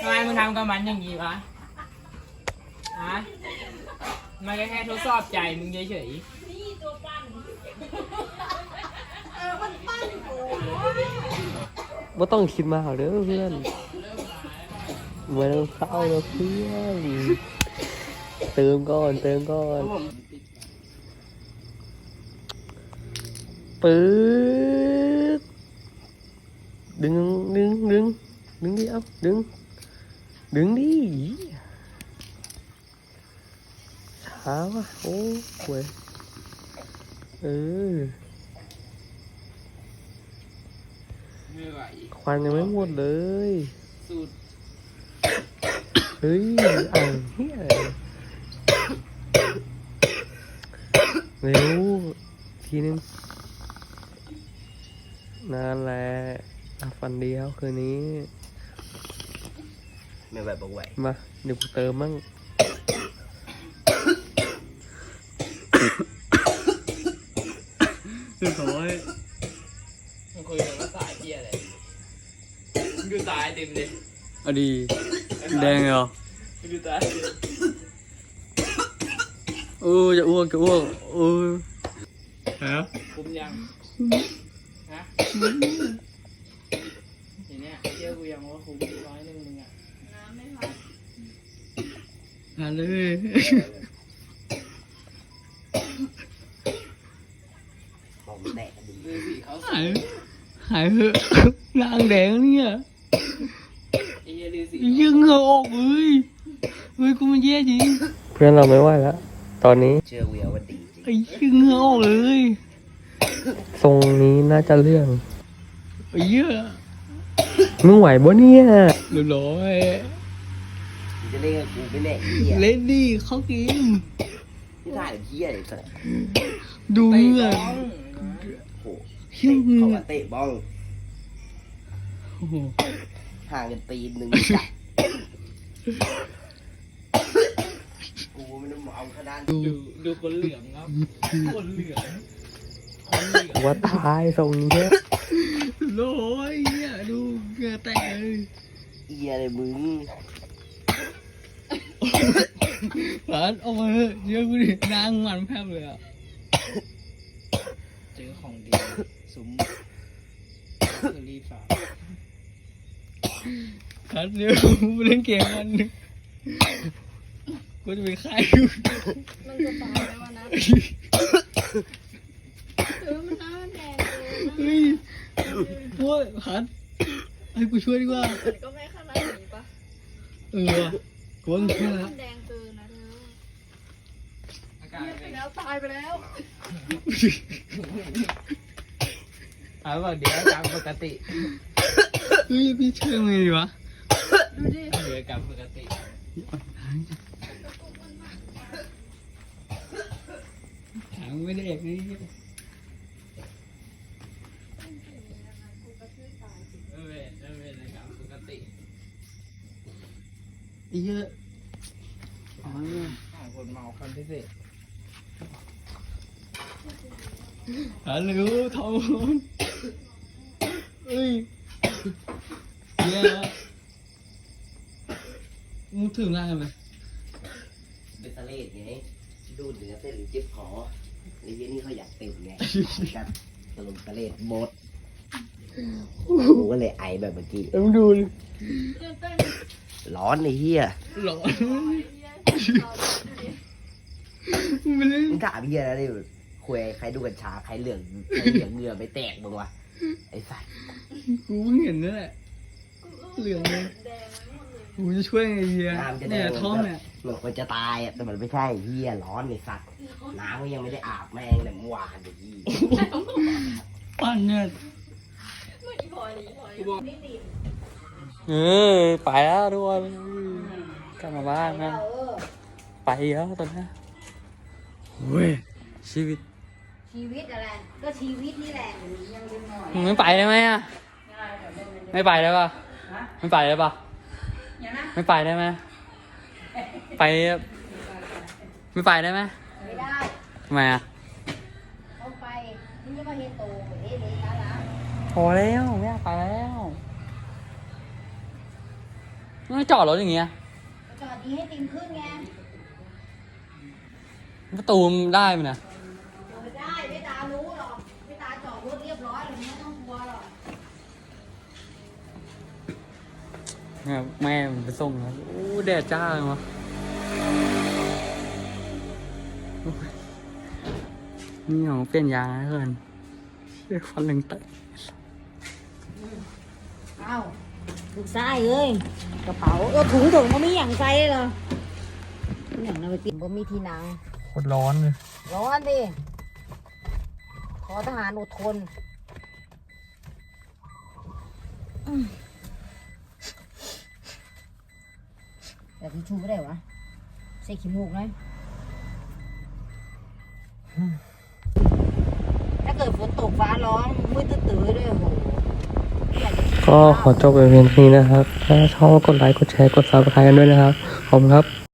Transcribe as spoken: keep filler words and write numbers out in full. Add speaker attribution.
Speaker 1: ำไมมึงทำกับมันอย่างนี้วะฮะมันก็แค่ทดสอบใจมึงเฉยๆนี่ตัวปั้นเออมันปั้นโอ้
Speaker 2: ว่าต้องคิดมากเด้อเพื่อนไม่ต้องเศร้าแล้วเพื่อนเติมก่อนเติมก่อนปื๊ดดึงดึงดึงดึงดิเอาดึงดึงดิช้าวะโอ้โหเออควันยังไม่หมดเลยสุดเฮ้ยอ่างเฮียเร็วทีนึงนั่นแหละฟันเดียวคืนนี้
Speaker 3: ไม่ไหวบอกไหว
Speaker 2: มาเดี๋ยวกูเติมมั่งเรียบร้อย
Speaker 1: มึงคุยกันว่าสายเที่ยอะไรมึงดูตายเต็มเลย
Speaker 2: เอาดีแดงเหรอ
Speaker 1: มึงดูตาย
Speaker 2: โอ้จะอ้วกจะอ้วกโอ้ฮะ
Speaker 1: คุมยังฮะอย่างเนี้ยเที่ยวกูยังว่าคุมร้อยหนึ่งมึงอ่ะน้ำไม่พอ
Speaker 2: หาเลย
Speaker 3: ผมแตกดู
Speaker 1: สิเขา
Speaker 2: หายหายเหอะนางแดงเนี่ยยังเหงื่อออกเลยเฮ้ยกูมันแย่จริงเพื่อนเราไม่ไหวแล้วตอนนี้
Speaker 3: เชื่อเวียว่าดีจริง
Speaker 2: ไอ้ยังเหงื่อออกเลยทรงนี้น่าจะเรื่องไอ้เหี้ยมึงไหวบ่เนี่ยเรียบร้อย
Speaker 3: จะเล่นกับกูไม่แน่เหี้ย
Speaker 2: เล่นดิเข้าเกม
Speaker 3: ไม่ได้เหี้ยเลยสัส
Speaker 2: ดูเหงื่อ
Speaker 3: โอ้เตะเขาว่าเตะบ้องห่างกันปีหนึ่งจับกูไม่ต้องเอาขนาด
Speaker 1: ดูดูคนเหลืองครับคนเหลืองคนเหลือง
Speaker 2: ว่าตายทรงนี้โอ้ยเนี่ยดูเหงื่อแตกเลย
Speaker 3: เหี้ยเลยมึง
Speaker 2: หลานเอามาเถอะเยอะกูดินางมันแพบเลยอ่ะ
Speaker 1: เจอของดีซุ้มเคอรี่ฝา
Speaker 2: คัดเดี๋ยวกูเล่นเกมมันกูจะไปฆ่าอยู่
Speaker 4: มันจะตายไหมวะนะเออมันน้ำแดง
Speaker 2: เฮ้ยโว้ยคัดให้กูช่วยดีกว่า
Speaker 4: ก็ไม่ขนาดนี้ปะ
Speaker 2: เออกูว่าแค่ละ
Speaker 4: แดงเกินนะเธออากาศไปแล้วตายไปแล้ว
Speaker 1: ถามว่าเดี๋ยวตามปกติ
Speaker 2: เฮ้ยพี่เชื่อไงดีวะ
Speaker 4: ดูดิ
Speaker 1: เดี๋ยวกลับปกติ
Speaker 2: ถามไม่ได้เอกนี่
Speaker 1: เออเออเออในกลับปกติ
Speaker 2: เยอะอ๋อ
Speaker 1: คนเมาคนพิเศษ
Speaker 2: ฮัลโหลทอมเอ้ยเยอะมึงถึงไรไหม
Speaker 3: เป็นทะเลไงดูเนื้อเส้นหรือเจ็บคอไอ้เยี่ยนี่เขาอยากเต็มไงกันตะลุมทะเลหมดกูก็เลยไอแบบเมื่อกี้
Speaker 2: มึงดู
Speaker 3: ร้อนไอ้เหี้ย
Speaker 2: ร้อนมึงเล่น
Speaker 3: มึงถามเหี้ยนะดิคุยใครดูกัญชาใครเหลืองใครเหลืองเหงื่อไม่แตกมึงวะไอ้สัส
Speaker 2: กูเพิ่งเห็นนั่นแหละเหลืองเลยกูจะช่วยไงเฮียเนี่ยท้องเนี่ย
Speaker 3: เหมือนคนจะตายอ่ะแต่มันไม่ใช่เฮียร้อนไอ้สัสน้ำก็ยังไม่ได้อาบแม่งเลยเมื่อวานไอ้ยี่
Speaker 2: ปั้นเนี่ยเออไปแล้วทุกคนกลับมาบ้านนะไปแล้วตอนนี้เว้ยชีวิต
Speaker 4: ชีวิตอะไรก็ชีวิตนี่แหละยังเป็นหน่อย
Speaker 2: มึงไม่ไปได้ไหมอ่ะไม่ไปได้ป่ะไม่ไปได้ป่ะไม่ไปได้ไหมไปไม่ไปได้ไหม
Speaker 4: ไม่ได้
Speaker 2: ทำไมอ่ะ
Speaker 4: เอาไปนี่จะมาเฮโตเฮ้ยเลยนะ
Speaker 2: พอแล้วไม่อยากไปแล้วไม่จอดรถอย่างเงี้ย
Speaker 5: จอดดีให้ติมขึ้นไง
Speaker 2: ประตูมันได้ไหมนะ
Speaker 5: เปิดได้ไม่ตารู้หรอกไม่ตาจอดรถเรียบร้อยเลยไม่ต้องกลัวหรอก
Speaker 2: เนี่ยแม่มันไปส่งแล้วโอ้แดดจ้าเลยวะโอ้ยนี่ของเปลี่ยนยางนะเพื่อนเรียกฟันเหลึงเตะ
Speaker 5: เอ้าลูกชายเอ้ยกระเป๋าเออถุงถุงมันมีอย่างใส่เลยเหรออย่างนั้นไปปิดบ่มีที่นั่ง
Speaker 2: โคตรร้อนเลย
Speaker 5: ร้อนดิขอทหารอดทนอืมแต่ที่ชูไม่ได้วะใส่ขี้มูกเลยถ้าเกิดฝนตกฟ้าร้องมืดตื้อๆด้วยโอ้โหอยากจะคิด
Speaker 2: ก็ขอจบไปเพียงเท่านี้นะครับ ถ้าชอบกดไลค์ กดแชร์ กดซับสไครต์กันด้วยนะครับ ขอบคุณครับ